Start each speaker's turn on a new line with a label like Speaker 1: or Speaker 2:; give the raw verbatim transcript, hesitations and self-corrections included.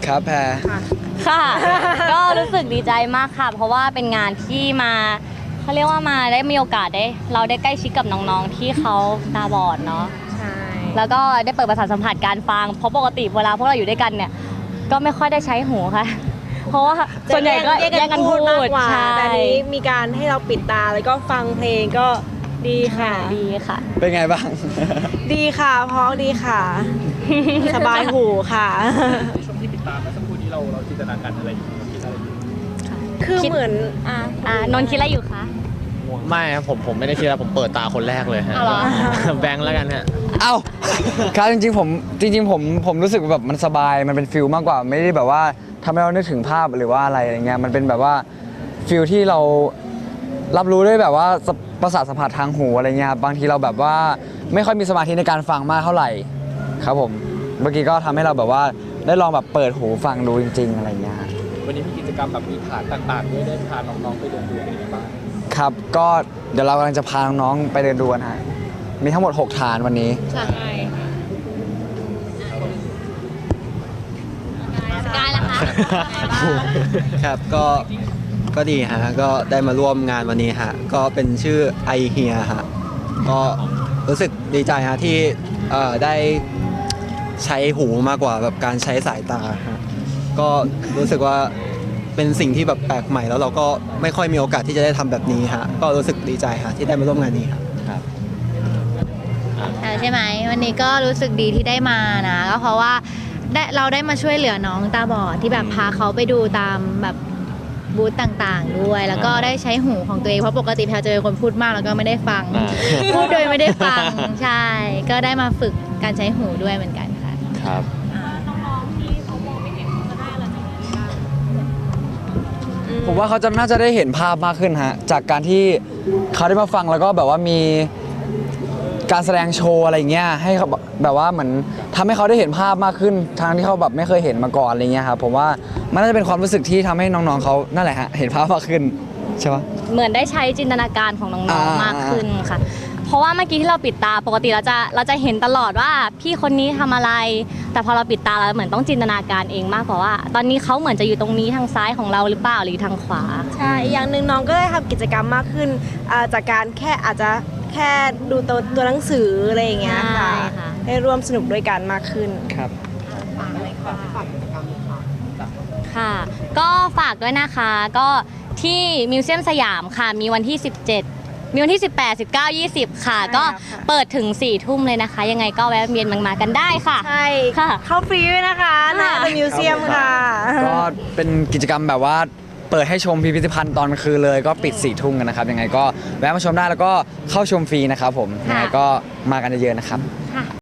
Speaker 1: ครับแพร
Speaker 2: ค่ะ ก็รู้สึกดีใจมากค่ะเพราะว่าเป็นงานที่มาเขาเรียกว่ามาได้มีโอกาสได้เราได้ใกล้ชิดกับน้องๆที่เขาตาบอดเนาะ
Speaker 3: ใช่
Speaker 2: แล้วก็ได้เปิดประสาทสัมผัสการฟังเพราะปกติเวลาพวกเราอยู่ด้วยกันเนี่ยก็ไม่ค่อยได้ใช้หูค่ะเพราะว่าส่วนใหญ่ก็แยกกันพูด
Speaker 3: มากกว่า
Speaker 2: ใช่
Speaker 3: แต่นี้มีการให้เราปิดตาแล้วก็ฟังเพลงก็ดีค่ะ
Speaker 2: ดีค่ะ
Speaker 1: เป็นไงบ้าง
Speaker 3: ดีค่ะเพราะดีค่ะ สบายหูค่ะ
Speaker 4: ช่วงที่ติดตามเมื่อสักครู่นี้เราเราจินตนาการอะไรอยู่คิดอะไรอยู่
Speaker 3: คือเหมือน
Speaker 2: อ่าอ่านนท์คิดอะไรอยู่คะ
Speaker 5: ไม่ครับผมผมไม่ได้คิดแล้วผมเปิดตาคนแรกเลยฮะแบงค์แล้วกันฮะ
Speaker 1: เอ้าครับจริงๆผมจริงๆผมผมรู้สึกแบบมันสบายมันเป็นฟิลมากกว่าไม่ได้แบบว่าทำให้เรานึกถึงภาพหรือว่าอะไรอย่างเงี้ยมันเป็นแบบว่าฟิลที่เรารับรู้ด้วยแบบว่าประสาทสัมผัสทางหูอะไรเงี้ยครับบางทีเราแบบว่าไม่ค่อยมีสมาธิในการฟังมากเท่าไหร่ครับผมเมื่อกี้ก็ทำให้เราแบบว่าได้ลองแบบเปิดหูฟังดูจริงๆอะไรเงี้ย
Speaker 4: วันนี้มีกิจกรรมแบบมีฐานต่างๆด้วยได้พาน้องๆไปเดินดูกันบ้าง
Speaker 1: ครับก็เดี๋ยวเรากำลังจะพาน้องๆไปเดินดูกันฮะมีทั้งหมดหกฐานวันนี้
Speaker 2: ใช่สกายล่ะคะ
Speaker 6: ครับก็ก็ดีฮะก็ได้มาร่วมงานวันนี้ฮะก็เป็นชื่อไอเฮียฮะก็รู้สึกดีใจฮะที่ได้ใช้หูมากกว่าแบบการใช้สายตาฮะก็รู้สึกว่าเป็นสิ่งที่แบบแปลกใหม่แล้วเราก็ไม่ค่อยมีโอกาสที่จะได้ทำแบบนี้ฮะก็รู้สึกดีใจฮะที่ได้มาร่วมงานนี้ครับ
Speaker 7: ใช่ไหมวันนี้ก็รู้สึกดีที่ได้มานะก็เพราะว่าได้เราได้มาช่วยเหลือน้องตาบอดที่แบบพาเขาไปดูตามแบบบูธต่างๆด้วยแล้วก็ได้ใช้หูของตัวเองเพราะปกติแพลเจอคนพูดมากแล้วก็ไม่ได้ฟังพูดโดยไม่ได้ฟังใช่ก็ได้มาฝึกการใช้หูด้วยเหมือนกันค่ะ
Speaker 5: ครับ
Speaker 1: ผมว่าเขาจะน่าจะได้เห็นภาพมากขึ้นฮะจากการที่เขาได้มาฟังแล้วก็แบบว่ามีการแสดงโชว์อะไรเงี้ยให้เขาแบบว่าเหมือนทำให้เขาได้เห็นภาพมากขึ้นทางที่เขาแบบไม่เคยเห็นมาก่อนอะไรเงี้ยครับผมว่ามันน่าจะเป็นความรู้สึกที่ทำให้น้องๆเขานั่นแหละฮะเห็นภาพมากขึ้นใช่ปะ
Speaker 2: เหมือนได้ใช้จินตนาการของน้องๆมากขึ้นค่ะเพราะว่าเมื่อกี้ที่เราปิดตาปกติเราจะเราจะเห็นตลอดว่าพี่คนนี้ทำอะไรแต่พอเราปิดตาเราเหมือนต้องจินตนาการเองมากกว่าว่าตอนนี้เขาเหมือนจะอยู่ตรงนี้ทางซ้ายของเราหรือเปล่าหรือทางขวา
Speaker 3: ใช่อย่างหนึ่งน้องก็ได้ทำกิจกรรมมากขึ้นจากการแค่อาจจะแค่ดูตัวตัวหนังสืออะไรอย่างเงี้ยค่ะให้ร่วมสนุกด้วยกันมากขึ้น
Speaker 1: ครับ
Speaker 2: ค่ะก็ฝากด้วยนะคะก็ที่มิวเซียมสยามค่ะมีวันที่สิบเจ็ดมีวันที่สิบแปด สิบเก้า ยี่สิบค่ะก็เปิดถึงสี่ทุ่มเลยนะคะยังไงก็แวะเวียนมากันได้ค่ะ
Speaker 3: ใช่ค่ะเข้าฟรีด้วยนะคะในมิวเซียมค่ะ
Speaker 1: ก็เป็นกิจกรรมแบบว่าเปิดให้ชมพิพิธภัณฑ์ตอนกลางคืนเลยก็ปิดสี่ทุ่มกันนะครับยังไงก็แวะมาชมได้แล้วก็เข้าชมฟรีนะครับผมยังไงก็มากันเยอะๆนะครับ